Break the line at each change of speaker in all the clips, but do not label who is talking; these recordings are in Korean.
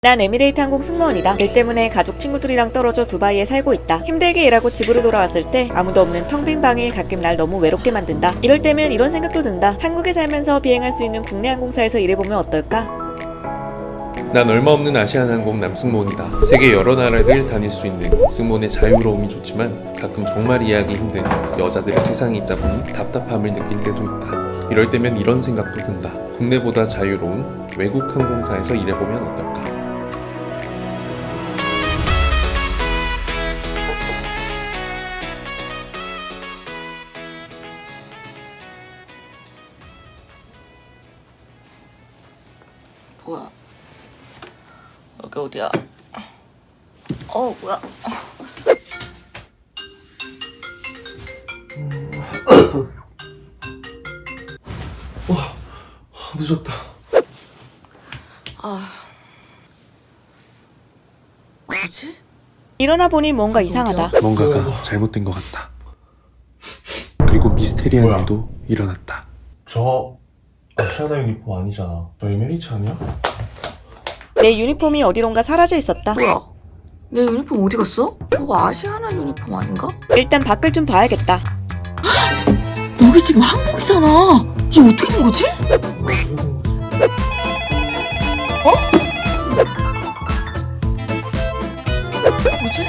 난 에미레이트 항공 승무원이다. 일 때문에 가족 친구들이랑 떨어져 두바이에 살고 있다. 힘들게 일하고 집으로 돌아왔을 때 아무도 없는 텅 빈 방이 가끔 날 너무 외롭게 만든다. 이럴 때면 이런 생각도 든다. 한국에 살면서 비행할 수 있는 국내 항공사에서 일해보면 어떨까?
난 얼마 없는 아시아나항공 남승무원이다. 세계 여러 나라를 다닐 수 있는 승무원의 자유로움이 좋지만 가끔 정말 이해하기 힘든 여자들의 세상이 있다 보니 답답함을 느낄 때도 있다. 이럴 때면 이런 생각도 든다. 국내보다 자유로운 외국 항공사에서 일해보면 어떨까?
뭐야? 여기 어디야? 뭐야?
늦었다.
뭐지?
일어나 보니 뭔가 이상하다.
뭔가가 잘못된 것 같다. 그리고 미스테리한
뭐야?
일도 일어났다.
저 아시아나 유니폼 아니잖아. 저 에미레이트 아니야?
내 유니폼이 어디론가 사라져 있었다.
뭐야? 내 유니폼 어디 갔어? 저거 아시아나 유니폼 아닌가?
일단 밖을 좀 봐야겠다.
여기 지금 한국이잖아. 이게 어떻게 된 거지? 뭐지?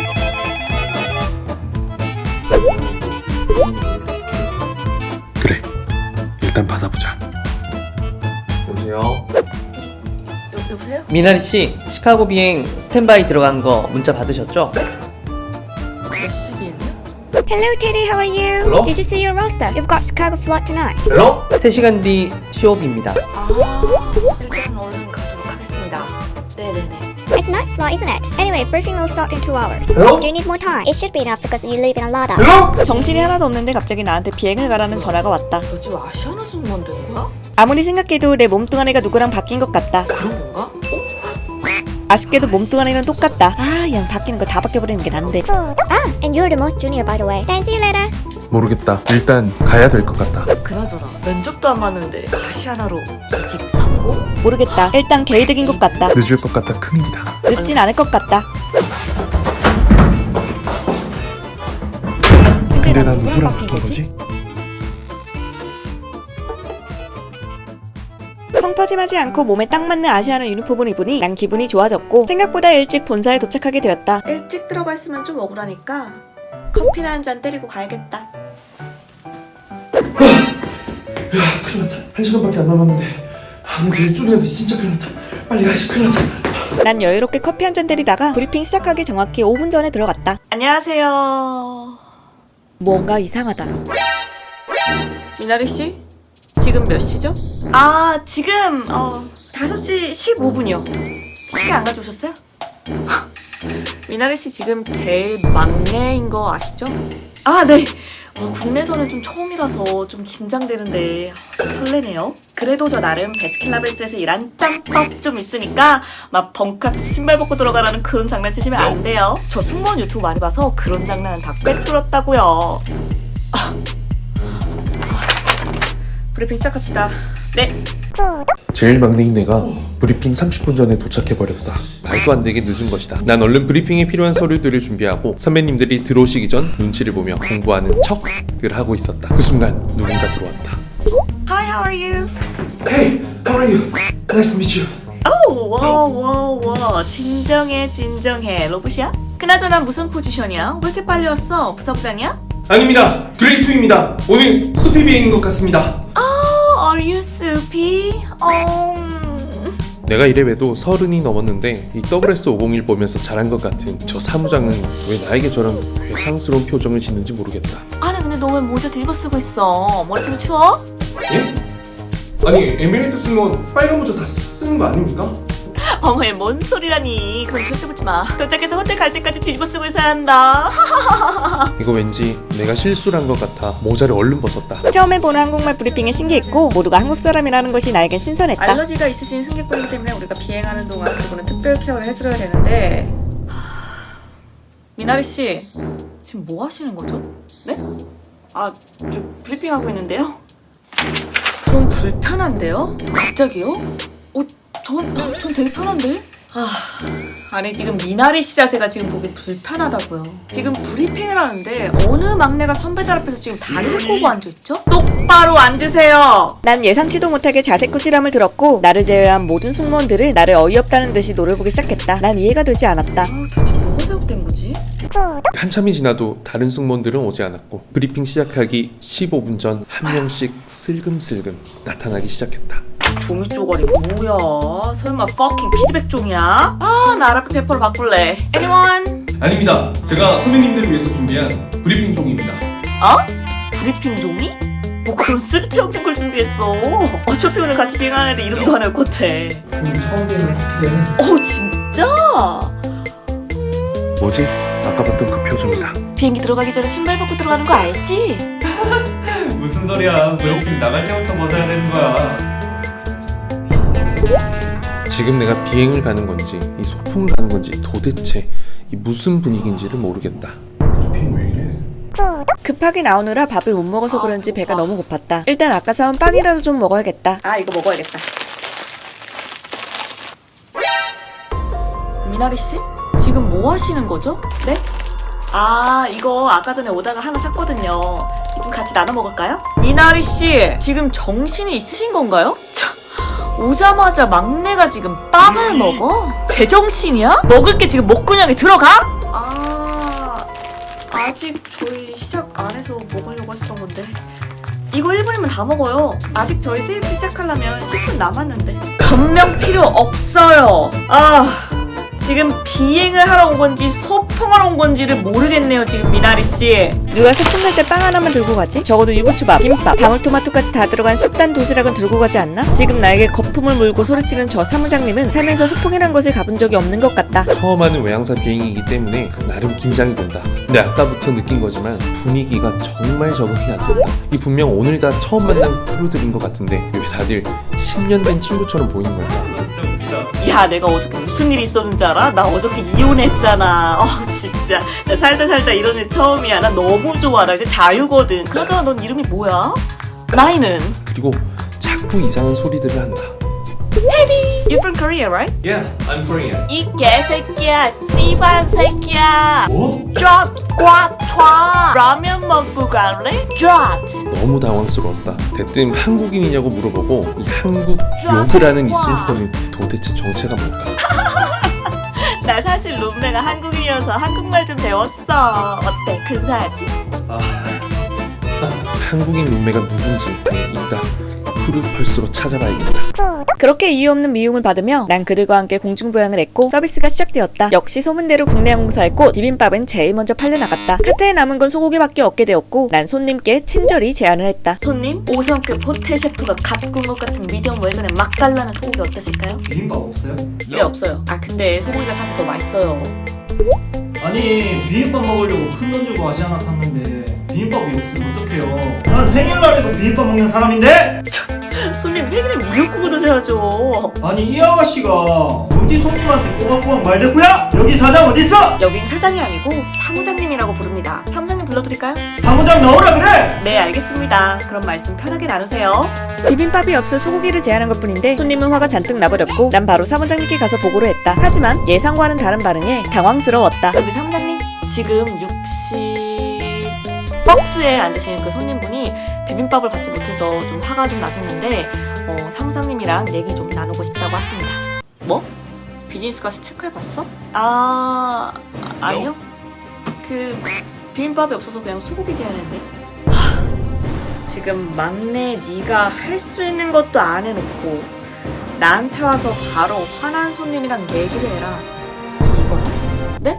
그래, 일단 받아보자.
여보세요?
여보세요?
미나리 씨, 시카고 비행 스탠바이 들어간 거 문자 받으셨죠?
몇 시비했냐?
Hello, Teddy. How are you?
Hello?
Did you see your roster? You've got Chicago flight tonight.
헬로?
3시간 뒤 쇼업입니다.
일단 얼른 가도록 하겠습니다. 네네네.
It's a nice flight, isn't it? Anyway, briefing will start in 2 hours.
Hello?
Do you need more time? It should be enough because you live in a Lada.
헬로?
정신이 하나도 없는데 갑자기 나한테 비행을 가라는 전화가 왔다.
너 지금 아시아나 승무원 된 거야?
아무리 생각해도 내 몸뚱아리가 누구랑 바뀐 것 같다.
그런 건가?
아쉽게도 몸뚱아리는 똑같다. 그냥 바뀌는 거 다 바뀌어버리는 게 난데.
Ah, and you're the most junior, by the way. Then see you later.
모르겠다. 일단 가야 될 것 같다.
그나저나 면접도 안 봤는데 아시아나로 이직 성공?
모르겠다. 일단 개이득인 것 같다.
늦을 것 같다. 큰일이다.
늦진 않을 것 같다.
근데
난
난
누구랑
누구랑
바뀐
바뀐
거지?
거지?
펑퍼짐하지 않고 몸에 딱 맞는 아시아나 유니폼을 입으니 난 기분이 좋아졌고 생각보다 일찍 본사에 도착하게 되었다. 일찍 들어가 있으면 좀 억울하니까 커피나 한 잔 때리고 가야겠다.
큰일 났다. 1시간밖에 안 남았는데 나 제일 줄이는데 진짜 큰일 났다. 빨리 가시. 큰일 났다.
난 여유롭게 커피 한 잔 때리다가 브리핑 시작하기 정확히 5분 전에 들어갔다.
안녕하세요.
뭔가 이상하다.
미나리 씨? 지금 몇 시죠? 지금 5시 15분이요. 시간 안 가져오셨어요? 미나리 씨 지금 제일 막내인 거 아시죠? 네. 국내선은 좀 처음이라서 좀 긴장되는데 설레네요. 그래도 저 나름 베스킨라빈스에서 일한 짬밥 좀 있으니까 막 벙커 앞에서 신발 벗고 들어가라는 그런 장난치시면 안 돼요. 저 승무원 유튜브 많이 봐서 그런 장난은 다 꿰뚫었다고요. 브리핑 시작합시다. 네.
제일 막내인 내가 브리핑 30분 전에 도착해버렸다. 말도 안 되게 늦은 것이다. 난 얼른 브리핑에 필요한 서류들을 준비하고 선배님들이 들어오시기 전 눈치를 보며 공부하는 척을 하고 있었다. 그 순간 누군가 들어왔다.
Hi, how are you?
Hey, how are you? Nice to meet you.
와, 진정해. 로봇이야? 그나저나 무슨 포지션이야? 왜 이렇게 빨리 왔어? 부사부장이야?
아닙니다. 그레이트입니다. 오늘 수피 비행인 것 같습니다.
Are you soupy?
내가 이래봬도 30이 넘었는데 이 WS501 보면서 잘한 것 같은 저 사무장은 왜 나에게 저런 괴상스러운 표정을 짓는지 모르겠다.
아니 근데 너 왜 모자 뒤집어 쓰고 있어? 머리 좀 추워?
예? 아니 에미레이트 승무원 빨간 모자 다 쓰는 거 아닙니까?
어머, 뭔 소리라니. 그건 절대 붙지 마. 도착해서 호텔 갈 때까지 뒤집어 쓰고 있어야 한다.
이거 왠지 내가 실수를 한 것 같아 모자를 얼른 벗었다.
처음에 보는 한국말 브리핑에 신기했고 모두가 한국 사람이라는 것이 나에겐 신선했다.
알러지가 있으신 승객분이기 때문에 우리가 비행하는 동안 그분은 특별 케어를 해드려야 되는데 미나리 씨 지금 뭐 하시는 거죠? 네? 저 브리핑하고 있는데요. 좀 불편한데요? 갑자기요? 전 되게 편한데? 아니 지금 미나리 씨 자세가 지금 보기 불편하다고요. 지금 브리핑을 하는데 어느 막내가 선배들 앞에서 지금 다리를 꼬고 앉아있죠? 똑바로 앉으세요.
난 예상치도 못하게 자세 꾸지람을 들었고 나를 제외한 모든 승무원들은 나를 어이없다는 듯이 노려보기 시작했다. 난 이해가 되지 않았다.
도대체 뭐가 잘못된 거지?
한참이 지나도 다른 승무원들은 오지 않았고 브리핑 시작하기 15분 전 한 명씩 슬금슬금 나타나기 시작했다.
종이 쪼가리 뭐야? 설마 fucking 피드백 종이야? 아, 나 아랍 페퍼로 바꿀래. Anyone?
아닙니다. 제가 선배님들을 위해서 준비한 브리핑 종입니다.
어? 브리핑 종이? 뭐 그런 쓸데없는 걸 준비했어. 어차피 오늘 같이 비행하는 애들 이름도 안 외울 것 같아.
그럼 처음 뵈는 스피드는
진짜?
뭐지? 아까 봤던 그 표정이다.
비행기 들어가기 전에 신발 벗고 들어가는 거 알지?
무슨 소리야? 브리핑 나갈 때부터 벗어야 되는 거야.
지금 내가 비행을 가는 건지 이 소풍을 가는 건지 도대체 이 무슨 분위기인지를 모르겠다.
브리핑 왜 이래?
급하게 나오느라 밥을 못 먹어서 그런지 배가 너무 고팠다. 일단 아까 사온 빵이라도 좀 먹어야겠다.
아, 이거 먹어야겠다. 미나리 씨? 지금 뭐 하시는 거죠? 네? 아, 이거 아까 전에 오다가 하나 샀거든요. 좀 같이 나눠 먹을까요? 미나리 씨, 지금 정신이 있으신 건가요? 참, 오자마자 막내가 지금 빵을 먹어? 제정신이야? 먹을 게 지금 목구멍에 들어가? 아직 저희 시작 안 해서 먹으려고 했었던 건데. 이거 1분이면 다 먹어요. 아직 저희 세이프 시작하려면 10분 남았는데. 변명 필요 없어요. 지금 비행을 하러 온 건지 소풍하러 온 건지를 모르겠네요, 지금 미나리 씨.
누가 소풍 갈 때 빵 하나만 들고 가지? 적어도 유부초밥, 김밥, 방울토마토까지 다 들어간 식단 도시락은 들고 가지 않나? 지금 나에게 거품을 물고 소리치는 저 사무장님은 살면서 소풍이란 것을 가본 적이 없는 것 같다.
처음 하는 외항사 비행이기 때문에 나름 긴장이 된다. 근데 아까부터 느낀 거지만 분위기가 정말 적응이 안 된다. 이 분명 오늘 다 처음 만난 크루들인 것 같은데 왜 다들 10년 된 친구처럼 보이는 걸까?
진짜 웃기다.
야, 내가 어저께 무슨 일이 있었는지 알아? 나 어저께 이혼했잖아. 진짜. 나 살다 이런 일 처음이야. 나 너무 좋아. 나 이제 자유거든. 그러잖아, 넌 이름이 뭐야? 나이는?
그리고 자꾸 이상한 소리들을 한다.
You're from Korea, right?
Yeah, I'm Korean.
이 개새끼야, 씨발 새끼야.
뭐?
쫙 라면 먹고 갈래? 쫙.
너무 당황스러웠다. 대뜸 한국인이냐고 물어보고 이 한국 욕을 하는 이 순서는 도대체 정체가 뭘까?
나 사실 룸메가 한국인이어서 한국말 좀 배웠어. 어때? 근사하지?
한국인 룸메가 누군지 이따 프루펄스로 찾아봐야겠다.
그렇게 이유 없는 미움을 받으며 난 그들과 함께 공중부양을 했고 서비스가 시작되었다. 역시 소문대로 국내 항공사의 꽃 비빔밥은 제일 먼저 팔려나갔다. 카트에 남은 건 소고기밖에 없게 되었고 난 손님께 친절히 제안을 했다.
손님, 5성급 호텔 셰프가 갓 구운 것 같은 미디엄 웰던에 맛깔나는 소고기 어떠실까요?
비빔밥 없어요?
네, 없어요. 근데 소고기가 사실 더 맛있어요.
아니 비빔밥 먹으려고 큰 돈 주고 아시아나 탔는데 비빔밥이 없으면 어떡해요? 난 생일날에도 비빔밥 먹는 사람인데?
손님, 생일에 미역국을 드셔야죠.
아니 이 아가씨가 어디 손님한테 꼬박꼬박 말대꾸야? 여기 사장 어딨어?
여긴 사장이 아니고 사무장님이라고 부릅니다. 사무장님 불러드릴까요?
사무장 나오라 그래!
네, 알겠습니다. 그럼 말씀 편하게 나누세요.
비빔밥이 없어 소고기를 제안한 것뿐인데 손님은 화가 잔뜩 나버렸고 난 바로 사무장님께 가서 보고를 했다. 하지만 예상과는 다른 반응에 당황스러웠다.
우리 사무장님, 지금 60박스에 앉으시는 그 손님분이 비빔밥을 받지 못해서 좀 화가 좀 나셨는데 사무장님이랑 얘기 좀 나누고 싶다고 하십니다. 뭐? 비즈니스 가서 체크해봤어? 아니요. 그 비빔밥이 없어서 그냥 소고기 제안했는데. 지금 막내 네가 할 수 있는 것도 안 해놓고 나한테 와서 바로 화난 손님이랑 얘기를 해라. 지금 이거야? 네?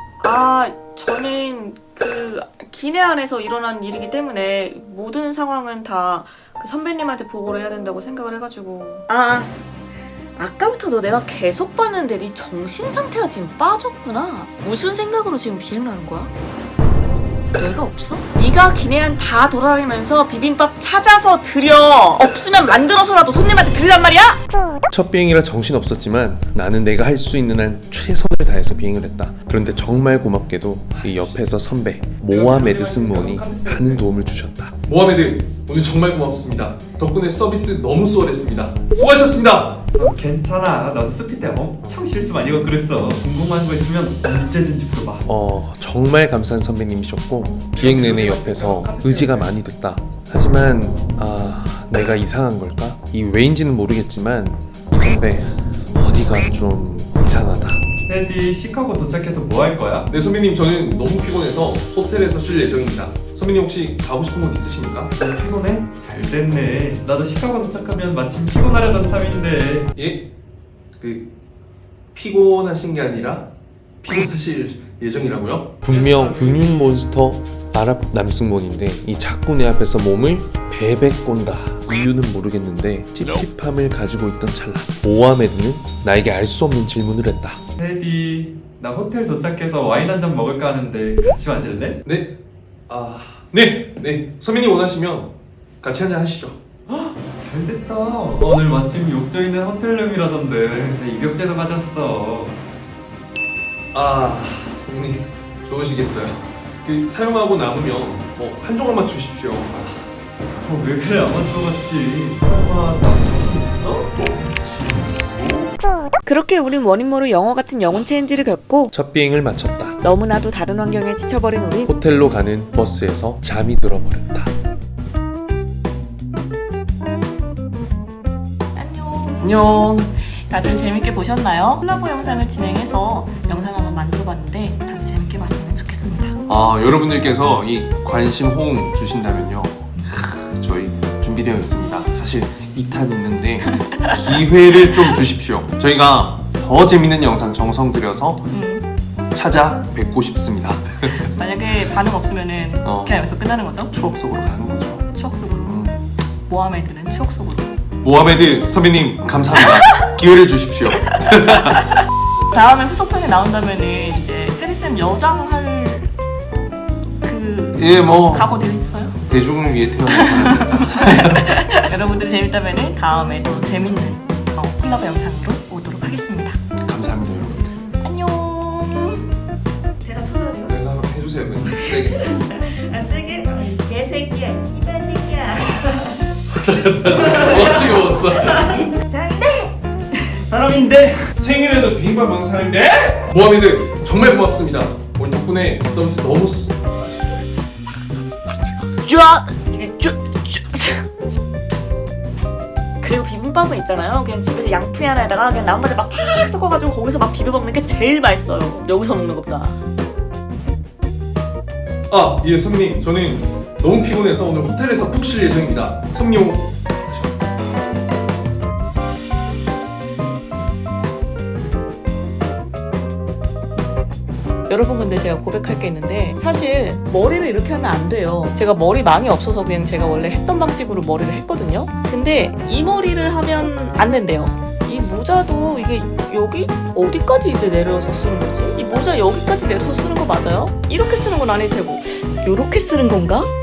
저는 그 기내 안에서 일어난 일이기 때문에 모든 상황은 다 그 선배님한테 보고를 해야 된다고 생각을 해가지고. 아까부터 너 내가 계속 봤는데 네 정신 상태가 지금 빠졌구나. 무슨 생각으로 지금 비행을 하는 거야? 뇌가 없어? 네가 기내안 다 돌아다니면서 비빔밥 찾아서 드려. 없으면 만들어서라도 손님한테 드리란 말이야?
첫 비행이라 정신없었지만 나는 내가 할 수 있는 한 최선을 다해서 비행을 했다. 그런데 정말 고맙게도 이 옆에서 선배 모하메드 승무원이 많은 도움을 주셨다. 모하메드, 오늘 정말 고맙습니다. 덕분에 서비스 너무 수월했습니다. 수고하셨습니다.
괜찮아. 나도 스피 때 엄청 실수 많이 하고 그랬어. 궁금한 거 있으면 언제든지 물어봐.
정말 감사한 선배님이셨고 비행 내내 옆에서 의지가 많이 됐다. 하지만 내가 이상한 걸까? 이 왜인지는 모르겠지만 이 선배 어디가 좀 이상하다.
테디, 시카고 도착해서 뭐 할 거야?
네 선배님, 저는 너무 피곤해서 호텔에서 쉴 예정입니다. 선배님 혹시 가고 싶은 곳 있으십니까?
피곤해? 잘 됐네. 나도 시카고 도착하면 마침 피곤하려던 참인데.
예? 피곤하신 게 아니라 피곤하실 예정이라고요? 분명 근육 몬스터 아랍 남승몬인데 이 자꾸 내 앞에서 몸을 베베 꼰다. 이유는 모르겠는데 찝찝함을 가지고 있던 찰나 모하메드는 나에게 알 수 없는 질문을 했다.
테디, 나 호텔 도착해서 와인 한 잔 먹을까 하는데 같이 마실래?
네? 네 선배님 원하시면 같이 한잔 하시죠.
잘 됐다. 오늘 마침 욕조 있는 호텔룸이라던데. 나 입욕제도 가졌어.
선배님 좋으시겠어요. 사용하고 남으면 한 조각만 주십시오.
왜 그래, 아마추어같이. 설마 남친 있어?
그렇게 우린 원인 모를 영어 같은 영혼 체인지를 겪고
첫 비행을 마쳤다.
너무나도 다른 환경에 지쳐버린 우린
호텔로 가는 버스에서 잠이 들어버렸다.
안녕. 다들 재밌게 보셨나요? 콜라보 영상을 진행해서 영상 한번 만들어봤는데 다들 재밌게 봤으면 좋겠습니다.
여러분들께서 이 관심 호응 주신다면요, 저희 준비되어 있습니다. 사실 2탄 있는데 기회를 좀 주십시오. 저희가 더 재밌는 영상 정성 들여서 찾아뵙고 싶습니다.
만약에 반응 없으면은 그냥 여기서 끝나는 거죠?
추억 속으로 가는 거죠.
추억 속으로. 모하메드는 추억 속으로.
모하메드 선배님 감사합니다. 기회를 주십시오.
다음에 후속편에 나온다면은 이제 테리쌤 여장할 각오 되어 있어요?
대중을 위해 태어난 사람입니다.
여러분들이 재밌다면은 다음에 또 재밌는 콜라보 영상으로 오도록 하겠습니다.
감사합니다 여러분들.
안녕. 제가 쳐줘야죠.
내가 한번 해주세요. 세게.
안 세게? 개새끼야, 씨발 새끼야.
어지러웠어.
사람인데?
생일에도 비빔밥 먹는 사람인데? 모하메드 정말 고맙습니다. 오늘 덕분에 서비스 너무
그리고 비빔밥은 있잖아요. 그냥 집에서 양푼 하나에다가 그냥 나물을 막 탁 섞어가지고 거기서 막 비벼 먹는 게 제일 맛있어요. 여기서 먹는 것보다.
예 선배님, 저는 너무 피곤해서 오늘 호텔에서 푹 쉴 예정입니다. 선배님
여러분, 근데 제가 고백할 게 있는데 사실 머리를 이렇게 하면 안 돼요. 제가 머리망이 없어서 그냥 제가 원래 했던 방식으로 머리를 했거든요. 근데 이 머리를 하면 안 된대요. 이 모자도 이게 여기 어디까지 이제 내려서 쓰는 거지? 이 모자 여기까지 내려서 쓰는 거 맞아요? 이렇게 쓰는 건 아닐 테고 이렇게 쓰는 건가?